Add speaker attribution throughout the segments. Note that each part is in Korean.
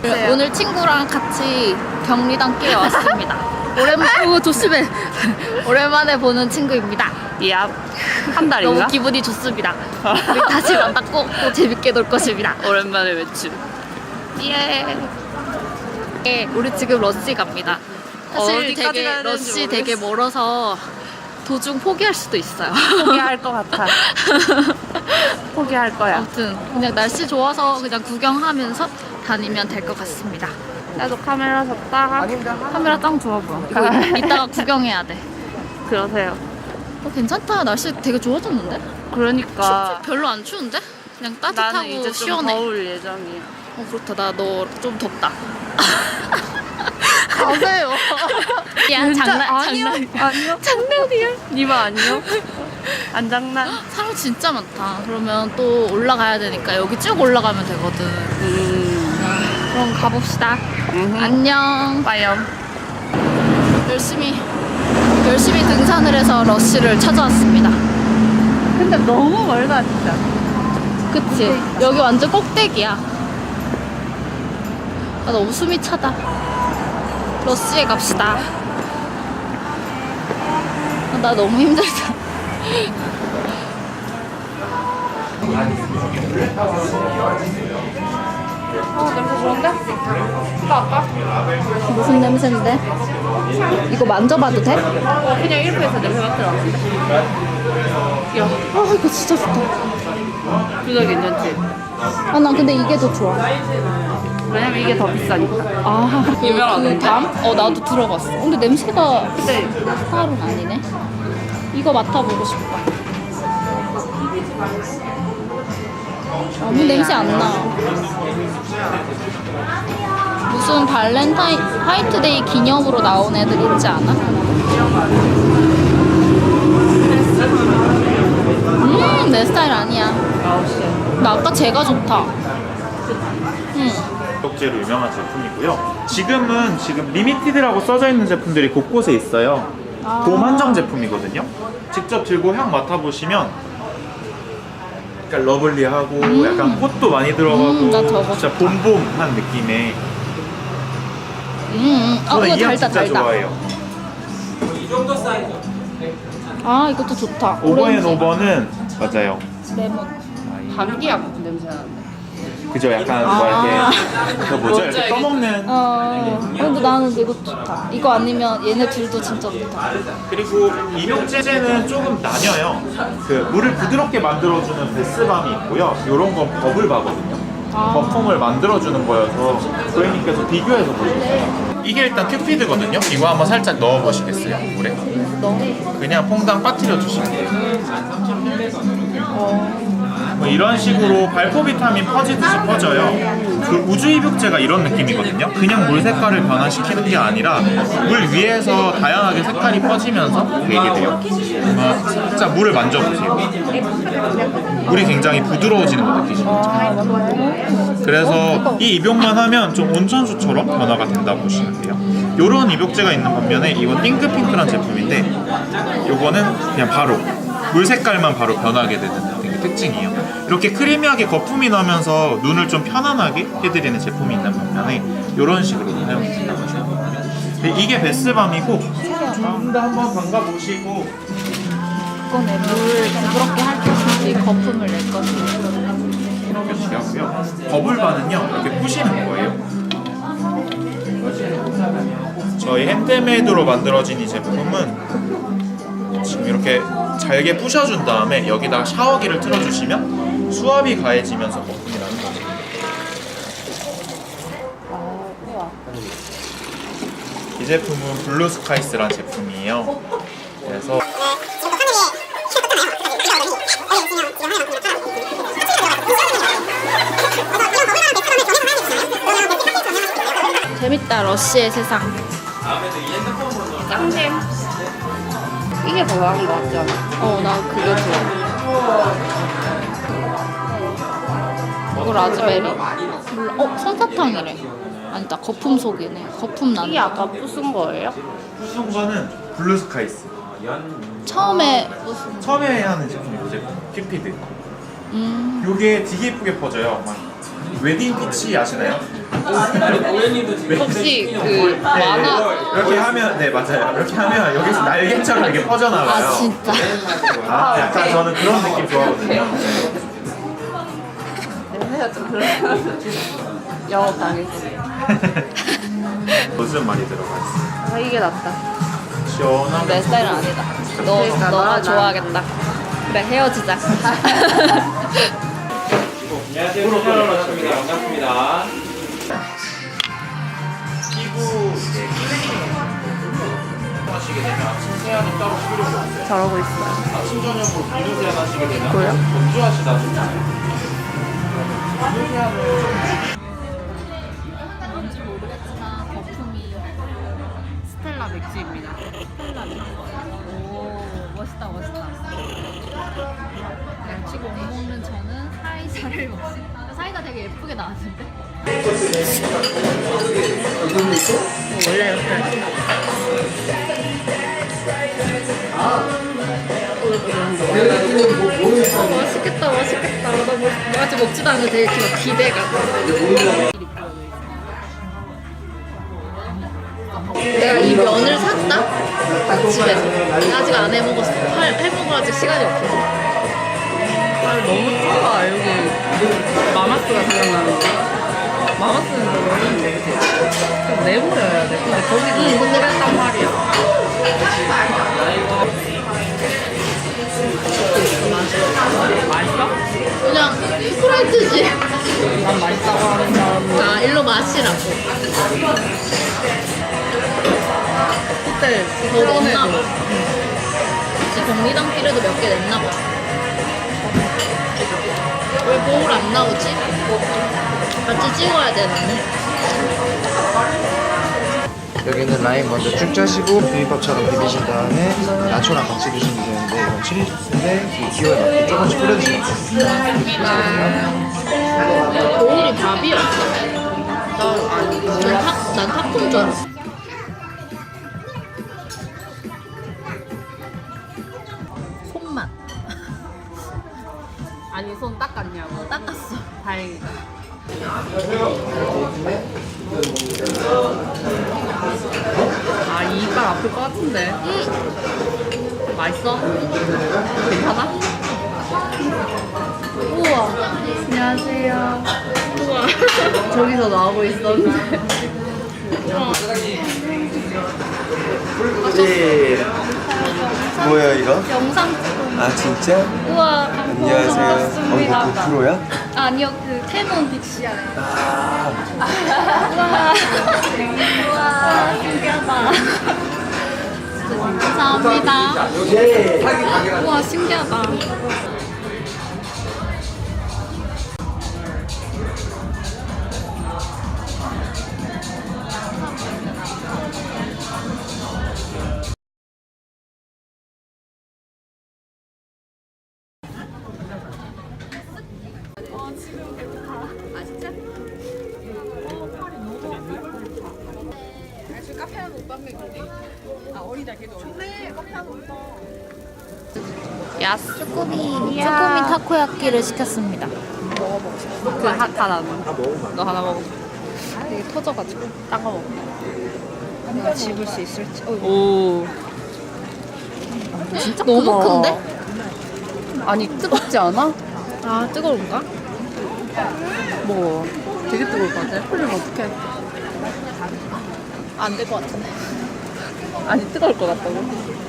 Speaker 1: 오늘 친구랑 같이 경리단 끼에 왔습니다. 오랜만에 조심해. 오랜만에 보는 친구입니다.
Speaker 2: 야, 한 달인가?
Speaker 1: 너무 기분이 좋습니다. 우리 다시 만났고 또 재밌게 놀 것입니다.
Speaker 2: 오랜만에 외출.
Speaker 1: 예. 예, 우리 지금 러시 갑니다. 사실
Speaker 2: 어디까지
Speaker 1: 되게
Speaker 2: 가야 되는지
Speaker 1: 러시 되게
Speaker 2: 모르겠어.
Speaker 1: 멀어서 도중 포기할 수도 있어요.
Speaker 2: 포기할 것 같아. 포기할 거야.
Speaker 1: 아무튼 그냥 날씨 좋아서 그냥 구경하면서 다니면 될 것 같습니다.
Speaker 2: 나도 카메라 샀다가
Speaker 1: 카메라 짱 좋아 보여. 이거 이따가 구경해야 돼.
Speaker 2: 그러세요.
Speaker 1: 괜찮다. 날씨 되게 좋아졌는데?
Speaker 2: 그러니까
Speaker 1: 별로 안 추운데? 그냥
Speaker 2: 나는
Speaker 1: 따뜻하고
Speaker 2: 이제 좀
Speaker 1: 시원해.
Speaker 2: 더울 예정이야.
Speaker 1: 그렇다. 나 너 좀 덥다. 가세요. 야, 장난.
Speaker 2: 아니요.
Speaker 1: 장난이야.
Speaker 2: 니마 아니요? 안 장난?
Speaker 1: 사람 진짜 많다. 그러면 또 올라가야 되니까 여기 쭉 올라가면 되거든. 그럼 가봅시다. 안녕.
Speaker 2: 빠염.
Speaker 1: 열심히 등산을 해서 러쉬를 찾아왔습니다.
Speaker 2: 근데 너무 멀다 진짜.
Speaker 1: 그치? 여기 완전 꼭대기야. 아, 너무 숨이 차다. 러쉬에 갑시다. 아, 나 너무 힘들다.
Speaker 2: 냄새 좋은데? 아까?
Speaker 1: 무슨 냄새인데? 이거 만져봐도 돼?
Speaker 2: 그냥 1%에서 냄새 맡으러 왔는데. 야,
Speaker 1: 아, 이거 진짜 좋다.
Speaker 2: 그거 괜찮지?
Speaker 1: 아, 난 근데 이게 더 좋아.
Speaker 2: 왜냐면 이게 더 비싸니까.
Speaker 1: 아,
Speaker 2: 유명하던데?
Speaker 1: 그 담? 나도 들어봤어. 근데 냄새가
Speaker 2: 근데
Speaker 1: 스타일은 아니네. 이거 맡아보고 싶어. 아무 냄새 안 나. 무슨 발렌타인, 화이트데이 기념으로 나온 애들 있지 않아? 내 스타일 아니야. 나 아까 쟤가 좋다.
Speaker 3: 독재로 유명한 제품이고요. 지금 리미티드라고 써져 있는 제품들이 곳곳에 있어요. 봄 한정 제품이거든요. 직접 들고 향 맡아보시면 약간 러블리하고 약간 꽃도 많이 들어가고
Speaker 1: 나 저거
Speaker 3: 진짜 봄봄한 느낌의
Speaker 1: 아,
Speaker 3: 저는
Speaker 1: 이거
Speaker 3: 이 향
Speaker 1: 달다,
Speaker 3: 진짜
Speaker 1: 달다.
Speaker 3: 좋아해요.
Speaker 1: 아, 이것도 좋다.
Speaker 3: 오버앤오버는 맞아요.
Speaker 1: 레몬.
Speaker 2: 감기 약국 냄새 나는데.
Speaker 3: 그죠? 약간 뭐 이렇게 그 뭐죠? 이렇게 떠먹는
Speaker 1: 근데 나는 이거 좋다. 이거 아니면 얘네 둘도 진짜 좋다.
Speaker 3: 그리고 입욕제제는 조금 나뉘어요. 그 물을 부드럽게 만들어주는 베스밤이 있고요. 이런 건 버블바거든요. 거품을 만들어주는 거여서 고객님께서 비교해서 보시겠어요. 이게 일단 큐피드거든요. 이거 한번 살짝 넣어보시겠어요? 물에? 그냥 퐁당 빠뜨려 주시면 돼요. 뭐 이런 식으로 발포 비타민 퍼지듯이 퍼져요. 그 우주 입욕제가 이런 느낌이거든요. 그냥 물 색깔을 변화시키는 게 아니라 물 위에서 다양하게 색깔이 퍼지면서 되게 돼요. 살짝 물을 만져보세요. 물이 굉장히 부드러워지는 거 느끼시죠? 그래서 이 입욕만 하면 좀 온천수처럼 변화가 된다고 보시면 돼요. 요런 입욕제가 있는 반면에 이건 띵크핑크란 제품인데 요거는 그냥 바로 물 색깔만 바로 변하게 되는 특징이에요. 이렇게 크리미하게 거품이 나면서 눈을 좀 편안하게 해드리는 제품이 있는 반면에 이런 식으로 사용이 된다고 하시면 됩니다. 이게 베스밤이고 좀 더 한번 담가보시고
Speaker 1: 이번에 물 부드럽게 할 것인지 거품을 낼 것인지.
Speaker 3: 이렇게 주시고요. 버블바는요 이렇게 부시는 거예요. 저희 핸드메이드로 만들어진 이 제품은 지금 이렇게 잘게 부셔준 다음에 여기다가 샤워기를 틀어주시면 수압이 가해지면서 거품이 나는 거죠. 이 제품은 블루스카이스란 제품이에요. 그래서
Speaker 1: 재밌다, 러쉬의 세상.
Speaker 2: 짱잼. 이게 더 나은 거 같지 않아?
Speaker 1: 나 그게 좋아. 이거 라즈베리? 몰라. 솜사탕이래. 아니다, 거품 속이네. 거품 나는.
Speaker 2: 이게 아까 부순 거예요?
Speaker 3: 부순 거는 블루스카이스.
Speaker 1: 처음에 무슨
Speaker 3: 처음에 하는 제품이고 제품 큐피드. 요게 되게 예쁘게 퍼져요. 막 웨딩 피치 아시나요?
Speaker 1: 혹시 그 만화
Speaker 3: 이렇게 하면 네 맞아요. 이렇게 하면 여기서 날개처럼 이렇게 퍼져나와요.
Speaker 1: 아 진짜
Speaker 3: 아, 약간 저는 그런 느낌 좋아하거든요.
Speaker 2: 냄새가 좀 그래. 영업당했어.
Speaker 3: 요즘 많이 들어가 있어.
Speaker 2: 아, 이게 낫다.
Speaker 3: 시원하게.
Speaker 1: 내 스타일은 아니다.
Speaker 2: 그러니까
Speaker 1: 너가
Speaker 2: 나-
Speaker 1: 좋아하겠다. 그래 헤어지자.
Speaker 4: 안녕하세요. 프로그램입니다. 반갑습니다. 피부 이제 하시게 되면 아침 세안이 따로 필요가 없어요.
Speaker 2: 저러고 있어요.
Speaker 4: 아침 저녁으로 비누 세안 하시게 되면
Speaker 2: 뭐요?
Speaker 4: 건조하시다 보잖아요.
Speaker 1: 뭔지 모르겠지만 거품이
Speaker 2: 스텔라 맥주입니다.
Speaker 1: 오 멋있다 멋있다. 치고 못 먹는 저는 사이다를 먹습니다. 사이다 되게 예쁘게 나왔는데.
Speaker 2: 원래 이렇게.
Speaker 1: 맛있겠다 맛있겠다. 나 아직 먹지도 않는데 되게 지금 기대가. 내가 이 면을 샀다? 집에서. 아직 안 해먹었어. 해먹을 아직 시간이 없어서.
Speaker 2: 아, 너무 좋아. 여기 마마스가 생각나는데. 마마스는 너 먹는데, 그치? 좀 내버려야 돼. 근데 거기도 그랬단 말이야. 맛있어?
Speaker 1: 그냥 프라이드지.
Speaker 2: 난 맛있다고 하는 사람은
Speaker 1: 아 일로 마시라고.
Speaker 2: 그때
Speaker 1: 더 냈나 봐.
Speaker 2: 전에도
Speaker 1: 혹시 경리당 피르도 몇 개 냈나 봐. 왜 거울 안 나오지? 같이 찍어야 되는데.
Speaker 5: 여기는 라임 먼저 쭉 짜시고 비빔밥처럼 비비신 다음에 나초랑 같이 드시면 되는데 이건 칠리 소스인데 이 기호에 맞게 조금씩 뿌려주시면 돼요.
Speaker 1: 거울이 밥이었어. 난 팝콘 줄 알았어. 손맛.
Speaker 2: 아니 손 닦았냐고.
Speaker 1: 닦았어.
Speaker 2: 다행이다. 아, 이 이빨 아플 것 같은데. 맛있어? 괜찮아?
Speaker 1: 우와.
Speaker 2: 안녕하세요.
Speaker 1: 우와.
Speaker 2: 저기서 나오고 있었는데.
Speaker 5: 뭐야 이거?
Speaker 1: 영상 찍고.
Speaker 5: 아 진짜?
Speaker 1: 우와.
Speaker 5: 안녕하세요.
Speaker 1: 반갑습니다.
Speaker 5: 어, 프로야?
Speaker 1: 아니요, 그 캐논 빅시아요. 우와. 우와, 신기하다. 감사합니다. 우와, 신기하다. 야스. 쭈꾸미 타코야끼를 시켰습니다.
Speaker 2: 그 하나. 너 하나 먹어.
Speaker 1: 되게 터져가지고.
Speaker 2: 딴 거 먹어.
Speaker 1: 내가 집을 수 있을지.
Speaker 2: 오.
Speaker 1: 진짜 너무
Speaker 2: 크다.
Speaker 1: 큰데?
Speaker 2: 아니, 뜨겁지 않아?
Speaker 1: 아, 뜨거운가?
Speaker 2: 뭐, 되게 뜨거울 것 같아. 풀리면 어떡해.
Speaker 1: 안 될 것 같은데.
Speaker 2: 아니, 뜨거울 것 같다고.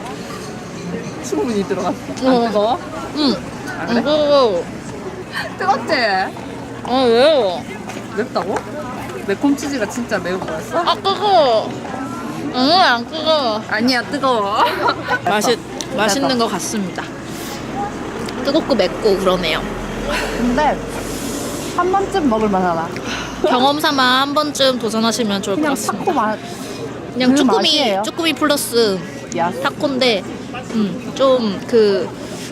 Speaker 2: 충분히 들어갔어.
Speaker 1: 어.
Speaker 2: 안 뜨거워?
Speaker 1: 응.
Speaker 2: 안 그래?
Speaker 1: 이거.
Speaker 2: 뜨겁지?
Speaker 1: 아, 왜요?
Speaker 2: 맵다고? 매콤치즈가 진짜 매운 거였어?
Speaker 1: 아, 뜨거워. 응, 안 뜨거워.
Speaker 2: 아니야, 뜨거워.
Speaker 1: 맛있는 것 같습니다. 뜨겁고 맵고 그러네요.
Speaker 2: 근데 한 번쯤 먹을 만하다.
Speaker 1: 경험 삼아 한 번쯤 도전하시면 좋을 것
Speaker 2: 그냥
Speaker 1: 같습니다.
Speaker 2: 타코 맛.
Speaker 1: 그냥
Speaker 2: 그 맛이에요.
Speaker 1: 쭈꾸미 플러스
Speaker 2: 야,
Speaker 1: 타코인데, 좀 그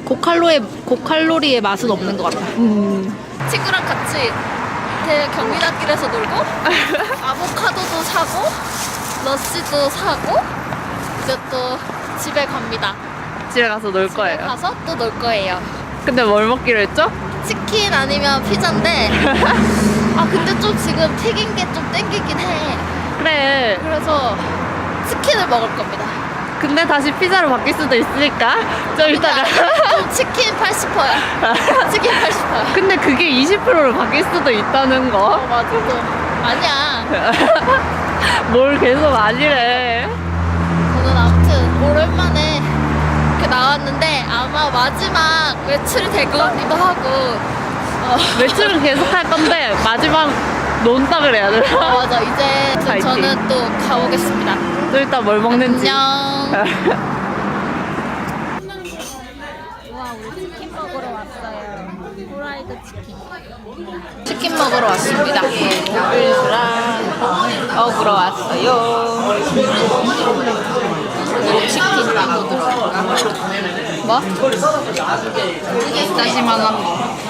Speaker 1: 고칼로리의 맛은 없는 것 같아. 친구랑 같이 경리단길에서 놀고, 아보카도도 사고, 러시도 사고, 이제 또 집에 갑니다.
Speaker 2: 집에 가서 놀
Speaker 1: 집에
Speaker 2: 거예요.
Speaker 1: 가서 또 놀 거예요.
Speaker 2: 근데 뭘 먹기로 했죠?
Speaker 1: 치킨 아니면 피자인데 아 근데 좀 지금 튀긴 게 좀 땡기긴 해.
Speaker 2: 그래.
Speaker 1: 그래서 치킨을 먹을 겁니다.
Speaker 2: 근데 다시 피자로 바뀔 수도 있으니까 좀 이따가.
Speaker 1: 좀 치킨 80%야. 치킨 80%야.
Speaker 2: 근데 그게 20%로 바뀔 수도 있다는 거.
Speaker 1: 맞아. 또 아니야.
Speaker 2: 뭘 계속 아니래.
Speaker 1: 저는 아무튼 오랜만에 이렇게 나왔는데 아마 마지막 외출이 될 것 같기도 하고.
Speaker 2: 외출은 계속 할 건데 마지막 논다 그래야 되나?
Speaker 1: 맞아. 이제
Speaker 2: 파이팅.
Speaker 1: 저는 또 가보겠습니다.
Speaker 2: 또 일단 뭘 먹는지.
Speaker 1: 안녕. 와, 우리 치킨 먹으러 왔어요. 후라이드 치킨. 치킨 먹으러 왔습니다. 일주랑 먹으러 왔어요. 그리고 치킨 나도 들어갈까? 뭐? 다시마한 거.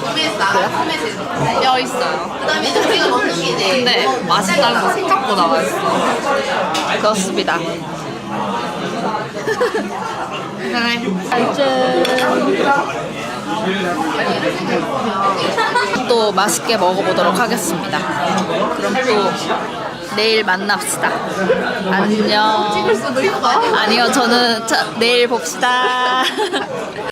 Speaker 1: 뼈 있어요. 근데 맛있다는 거 생각보다 맛있어. 그렇습니다. 또 맛있게 먹어보도록 하겠습니다. 그럼 또 내일 만납시다. 안녕. 찍을 수도 있어. 아니요, 저는 내일 봅시다.